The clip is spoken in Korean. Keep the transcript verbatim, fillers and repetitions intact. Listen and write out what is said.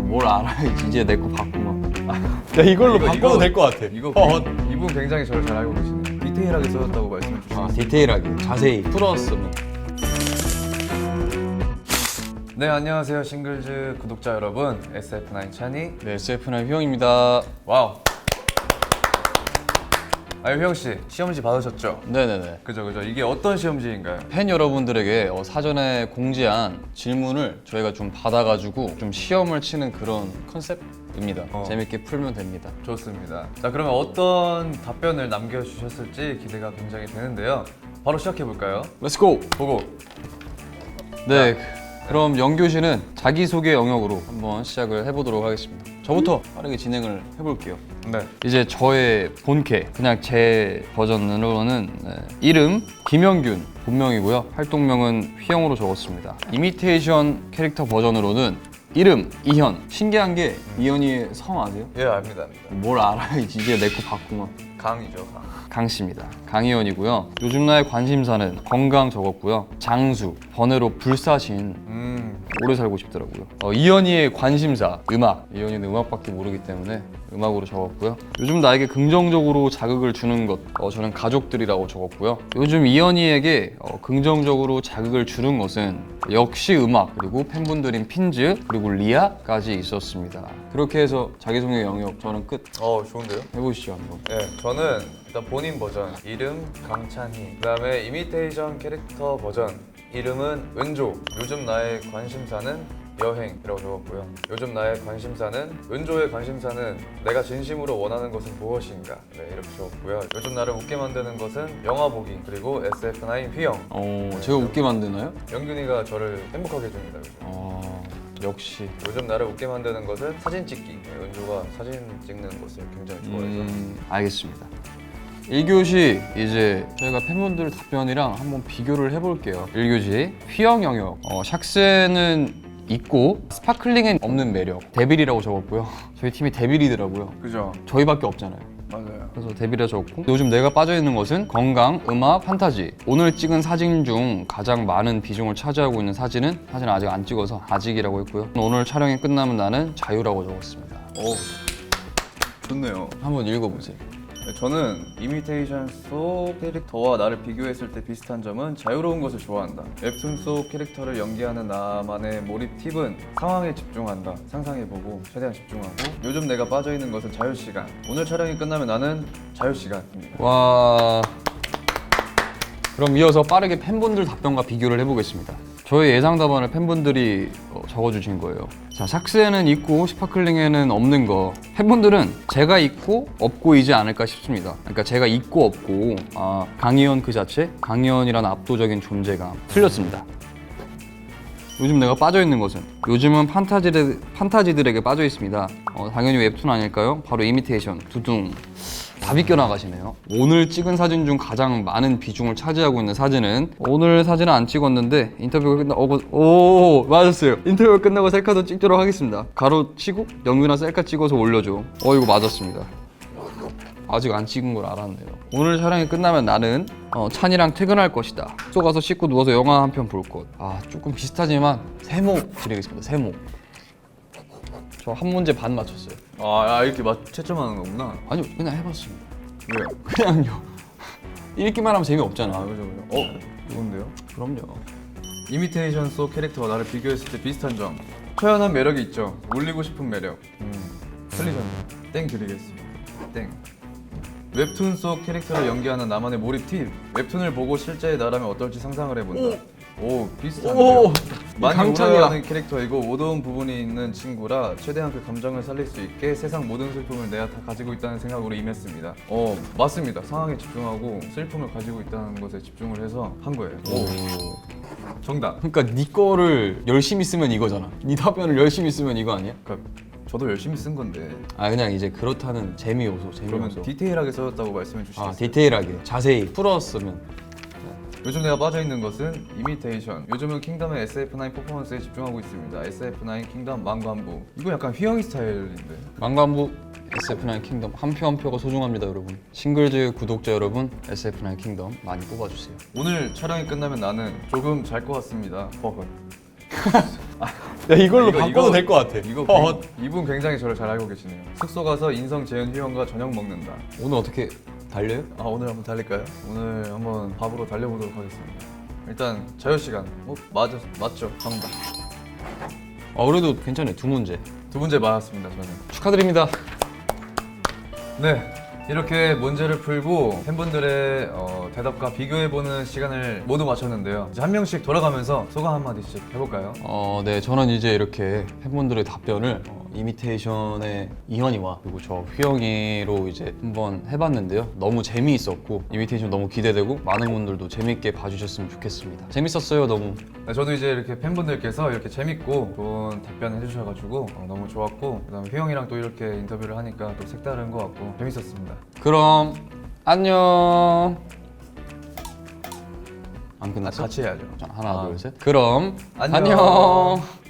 뭘 알아야지. 이제 내 거 바꾸면. 야 이걸로 이거, 바꿔도 이거- 될 것 같아. 이거 어. 이분 굉장히 저를 잘 알고 계시네요. 디테일하게 써졌다고 말씀해 주시죠. 아, 디테일하게 자세히 풀었으면. 네, 안녕하세요 싱글즈 구독자 여러분, 에스에프나인 찬이. 네, 에스에프나인 휘영입니다. 와우. 아유 휘영 씨, 시험지 받으셨죠? 네네네. 그죠 그죠. 이게 어떤 시험지인가요? 팬 여러분들에게 어, 사전에 공지한 질문을 저희가 좀 받아가지고 좀 시험을 치는 그런 컨셉입니다. 어. 재밌게 풀면 됩니다. 좋습니다. 자, 그러면 어떤 답변을 남겨주셨을지 기대가 굉장히 되는데요. 바로 시작해 볼까요? 렛츠고! 보고. 네, 그럼 영교시는 자기소개 영역으로 한번 시작을 해보도록 하겠습니다. 저부터 빠르게 진행을 해볼게요. 네. 이제 저의 본캐, 그냥 제 버전으로는 네, 이름 김영균, 본명이고요. 활동명은 휘영으로 적었습니다. 이미테이션 캐릭터 버전으로는 이름 이현. 신기한 게 이현이의 성 아세요? 예, 압니다, 압니다. 뭘 알아야지. 이제 내 거 바꾸면. 강이죠, 강. 강씨입니다. 강희원이고요. 요즘 나의 관심사는 건강 적었고요. 장수, 번외로 불사신. 음. 오래 살고 싶더라고요. 어, 이현이의 관심사, 음악. 이현이는 음악밖에 모르기 때문에 음악으로 적었고요. 요즘 나에게 긍정적으로 자극을 주는 것, 어, 저는 가족들이라고 적었고요. 요즘 이현이에게 어, 긍정적으로 자극을 주는 것은 역시 음악, 그리고 팬분들인 핀즈, 그리고 리아까지 있었습니다. 그렇게 해서 자기소개 영역 저는 끝. 어, 좋은데요? 해보시죠 한번. 네, 저는 일단 본인 버전 이름 강찬희. 그다음에 이미테이션 캐릭터 버전 이름은 은조. 요즘 나의 관심사는 여행이라고 적었고요. 요즘 나의 관심사는, 은조의 관심사는 내가 진심으로 원하는 것은 무엇인가. 네, 이렇게 적었고요. 요즘 나를 웃게 만드는 것은 영화 보기. 그리고 에스에프나인 휘영. 어, 제가 웃게 만드나요? 영균이가 저를 행복하게 해줍니다. 요즘. 어, 역시. 요즘 나를 웃게 만드는 것은 사진 찍기. 네, 은조가 사진 찍는 것을 굉장히 좋아해서. 음, 알겠습니다. 일 교시 이제 저희가 팬분들 답변이랑 한번 비교를 해볼게요. 일 교시 휘영 영역. 어, 샥스에는 있고 스파클링엔 없는 매력. 데빌이라고 적었고요. 저희 팀이 데빌이더라고요. 그죠? 저희밖에 없잖아요. 맞아요. 그래서 데빌이라 적었고, 요즘 내가 빠져있는 것은 건강, 음악, 판타지. 오늘 찍은 사진 중 가장 많은 비중을 차지하고 있는 사진은 사진을 아직 안 찍어서 아직이라고 했고요. 오늘 촬영이 끝나면 나는 자유라고 적었습니다. 오, 좋네요. 한번 읽어보세요. 저는 이미테이션 속 캐릭터와 나를 비교했을 때 비슷한 점은 자유로운 것을 좋아한다. 웹툰 속 캐릭터를 연기하는 나만의 몰입 팁은 상황에 집중한다. 상상해보고 최대한 집중하고, 요즘 내가 빠져있는 것은 자유시간. 오늘 촬영이 끝나면 나는 자유시간입니다. 와. 그럼 이어서 빠르게 팬분들 답변과 비교를 해보겠습니다. 저의 예상 답안을 팬분들이 어, 적어주신 거예요. 자, 샥스에는 있고 스파클링에는 없는 거. 팬분들은 제가 있고 없고이지 않을까 싶습니다. 그러니까 제가 있고 없고, 아, 강희연 그 자체, 강희연이라는 압도적인 존재감. 틀렸습니다. 요즘 내가 빠져있는 것은, 요즘은 판타지들, 판타지들에게 빠져있습니다. 어, 당연히 웹툰 아닐까요? 바로 이미테이션, 두둥. 다 비껴나가시네요. 오늘 찍은 사진 중 가장 많은 비중을 차지하고 있는 사진은, 오늘 사진은 안 찍었는데 인터뷰가 끝나고, 오 맞았어요. 인터뷰가 끝나고 셀카도 찍도록 하겠습니다. 가로 치고 영균아 셀카 찍어서 올려줘. 어 이거 맞았습니다. 아직 안 찍은 걸 알았네요. 오늘 촬영이 끝나면 나는 어, 찬이랑 퇴근할 것이다. 숙소 가서 씻고 누워서 영화 한 편 볼 것. 아 조금 비슷하지만 세모 드리겠습니다. 세모. 저 한 문제 반 맞췄어요. 아, 아 이렇게 맞 채점하는 거구나. 아니요 그냥 해봤습니다. 왜요? 그냥요. 읽기만 하면 재미없잖아. 아, 그죠 그죠. 어, 좋은데요? 그럼요. 이미테이션 속 캐릭터와 나를 비교했을 때 비슷한 점. 초연한 매력이 있죠. 울리고 싶은 매력. 음, 틀리셨네요. 땡 드리겠습니다. 땡. 웹툰 속 캐릭터를 연기하는 나만의 몰입 팁. 웹툰을 보고 실제의 나라면 어떨지 상상을 해본다. 오, 비슷한데요. 오, 많이 강찬이야. 울어하는 캐릭터이고 어두운 부분이 있는 친구라 최대한 그 감정을 살릴 수 있게 세상 모든 슬픔을 내가 다 가지고 있다는 생각으로 임했습니다. 어, 맞습니다. 상황에 집중하고 슬픔을 가지고 있다는 것에 집중을 해서 한 거예요. 오, 정답. 그러니까 네 거를 열심히 쓰면 이거잖아. 네 답변을 열심히 쓰면 이거 아니야? 그러니까 저도 열심히 쓴 건데. 아 그냥 이제 그렇다는 재미 요소, 재미 그러면 요소. 디테일하게 써줬다고 말씀해 주시겠어요? 아 디테일하게, 자세히 풀었으면. 요즘 내가 빠져있는 것은 이미테이션. 요즘은 킹덤의 에스에프나인 퍼포먼스에 집중하고 있습니다. 에스에프나인 킹덤 망관부. 이거 약간 휘영이 스타일인데. 망관부 에스에프나인 킹덤 한 표 한 표가 소중합니다 여러분. 싱글즈 구독자 여러분, 에스에프나인 킹덤 많이 뽑아주세요. 오늘 촬영이 끝나면 나는 조금 잘 것 같습니다. 버그. 야 이걸로 이거, 바꿔도 이거- 될 것 같아. 이거 어, 굉- 이분 굉장히 저를 잘 알고 계시네요. 숙소 가서 인성 재현 휴영과 저녁 먹는다. 오늘 어떻게 달려요? 아 오늘 한번 달릴까요? 오늘 한번 밥으로 달려보도록 하겠습니다. 일단 자유 시간. 어 맞아 맞죠 정답. 아 그래도 괜찮아요. 두 문제. 두 문제 맞았습니다 저는. 축하드립니다. 네. 이렇게 문제를 풀고 팬분들의 어, 대답과 비교해보는 시간을 모두 마쳤는데요. 이제 한 명씩 돌아가면서 소감 한마디씩 해볼까요? 어, 네, 저는 이제 이렇게 팬분들의 답변을 어, 이미테이션의 이현이와 그리고 저 휘영이로 이제 한번 해봤는데요. 너무 재미있었고 이미테이션 너무 기대되고 많은 분들도 재밌게 봐주셨으면 좋겠습니다. 재밌었어요, 너무. 네, 저도 이제 이렇게 팬분들께서 이렇게 재밌고 좋은 답변을 해주셔가지고 어, 너무 좋았고 그다음에 휘영이랑 또 이렇게 인터뷰를 하니까 또 색다른 것 같고 재밌었습니다. 그럼 안녕. 안 끝났어? 같이 해야죠. 자, 하나, 아. 둘, 셋. 그럼 안녕. 안녕.